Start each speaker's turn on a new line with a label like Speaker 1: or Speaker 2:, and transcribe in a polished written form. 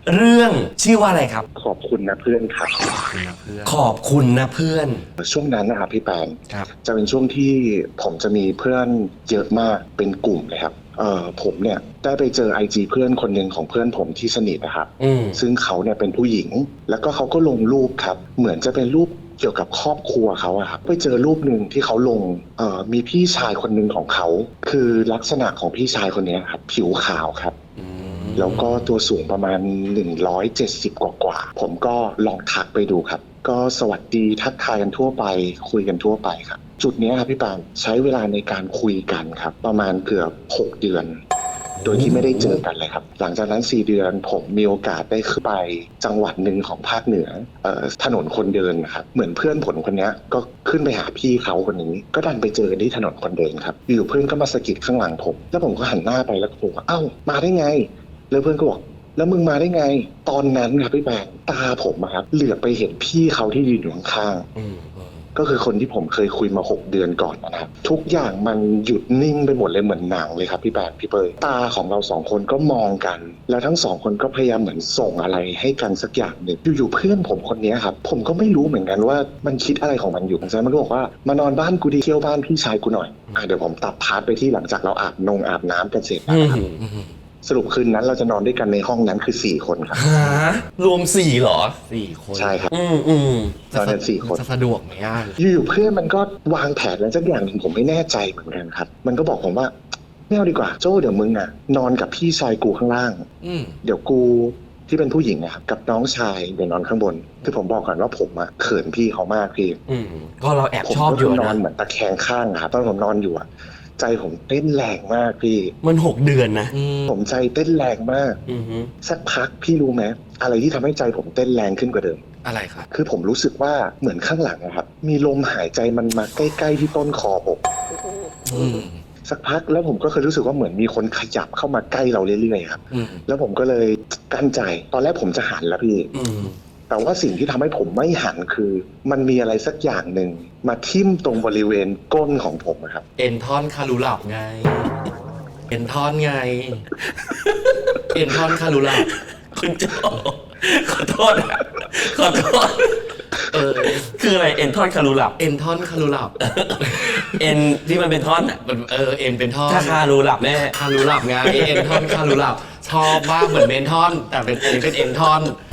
Speaker 1: เรื่องชื่อว่าอะไรครับ
Speaker 2: ขอบคุณนะเพื่อนครับ
Speaker 1: ขอบคุณนะเพื่อนขอบคุณนะเพื่อน
Speaker 2: ช่วงนั้นนะครับพี่แปน
Speaker 1: ครับ
Speaker 2: จะเป็นช่วงที่ผมจะมีเพื่อนเยอะมากเป็นกลุ่มเลยครับผมเนี่ยได้ไปเจอ IG เพื่อนคนหนึ่งของเพื่อนผมที่สนิทนะครับซึ่งเขาเนี่ยเป็นผู้หญิงแล้วก็เขาก็ลงรูปครับเหมือนจะเป็นรูปเกี่ยวกับครอบครัวเขาอะครับไปเจอรูปหนึ่งที่เขาลงมีพี่ชายคนหนึ่งของเขาคือลักษณะของพี่ชายคนนี้ครับผิวขาวครับแล้วก็ตัวสูงประมาณ170กว่าผมก็ลองทักไปดูครับก็สวัสดีทักทายกันทั่วไปคุยกันทั่วไปครับจุดนี้ครับพี่ปานใช้เวลาในการคุยกันครับประมาณเกือบ6 เดือนโดยที่ไม่ได้เจอกันเลยครับหลังจากนั้น4 เดือนผมมีโอกาสได้ขึ้นไปจังหวัดหนึ่งของภาคเหนือถนนคนเดินนะครับเหมือนเพื่อนผมคนนี้ก็ขึ้นไปหาพี่เขาคนนี้ก็ดันไปเจอกันที่ถนนคนเดินครับอยู่เพื่อนก็มาสะกิดข้างหลังผมแล้วผมก็หันหน้าไปแล้วก็บอกว่าเอ้ามาได้ไงแล้วเพื่อนก็บอกแล้วมึงมาได้ไงตอนนั้นครับพี่แบงตาผมครับเหลือบไปเห็นพี่เขาที่ยืนอยู่ข้างๆก็คือคนที่ผมเคยคุยมา6 เดือนก่อนนะครับทุกอย่างมันหยุดนิ่งไปหมดเลยเหมือนหนังเลยครับพี่แบงพี่เปยตาของเรา2 คนก็มองกันแล้วทั้ง2 คนก็พยายามเหมือนส่งอะไรให้กันสักอย่างหนึ่งอยู่ๆเพื่อนผมคนนี้ครับผมก็ไม่รู้เหมือนกันว่ามันคิดอะไรของมันอยู่ฉะนั้นมันก็บอกว่ามานอนบ้านกูดีเที่ยวบ้านพี่ชายกูหน่อยเดี๋ยวผมตัดพาร์ทไปที่หลังจากเราอาบน้ำกันเสร็จนะครับสรุปคืนนั้นเราจะนอนด้วยกันในห้องนั้นคือ4 คนครับ
Speaker 1: รวม4เหรอ4 คน
Speaker 2: ใช่ครับตอนนั้น4 คน
Speaker 1: จะสะดวกไหม
Speaker 2: อยู่ๆเพื่อนมันก็วางแผนอะไรสักอย่างหนึ่งผมไม่แน่ใจเหมือนกันครับมันก็บอกผมว่าไม่เอาดีกว่าโจ้เดี๋ยวมึงนอนกับพี่ชายกูข้างล่างเดี๋ยวกูที่เป็นผู้หญิงนะครับกับน้องชายเดี๋ยวนอนข้างบนคือผมบอกก่อนว่าผมเขินพี่เขามากพี่
Speaker 1: ก็เราแอบชอบอยู่นะ
Speaker 2: นอนเหมือนตะแคงข้างครับตอนผมนอนอยู่ใจผมเต้นแรงมากพี่
Speaker 1: มัน6 เดือนนะ
Speaker 2: ผมใจเต้นแรงมากสักพักพี่รู้ไหมอะไรที่ทำให้ใจผมเต้นแรงขึ้นกว่าเดิม
Speaker 1: อะไรครับ
Speaker 2: คือผมรู้สึกว่าเหมือนข้างหลังครับมีลมหายใจมันมาใกล้ๆที่ต้นคอผมสักพักแล้วผมก็เคยรู้สึกว่าเหมือนมีคนขยับเข้ามาใกล้เราเรื่อยๆครับแล้วผมก็เลยกั้นใจตอนแรกผมจะหันแล้วพี่แต่ว่าสิ่งที่ทำให้ผมไม่หันคือมันมีอะไรสักอย่างหนึ่งมาทิ่มตรงบริเวณก้นของผมครับ
Speaker 1: เอ็นท่อนคารูหลับไงเอ็นท่อนไงเอ็นท่อนคารูหลับคุณโจขอโทษคืออะไรเอ็นท่อนคารูหลับเอ็นท่อนคารูหลับเอ็นที่มันเป็นท่อนอ่ะเอ็นเป็นท่อนถ้าคารูหลับแม่คารูหลับไงเอ็นท่อนคารูหลับชอบมากเหมือนเมนท่อนแต่เป็นเอ็นท่อน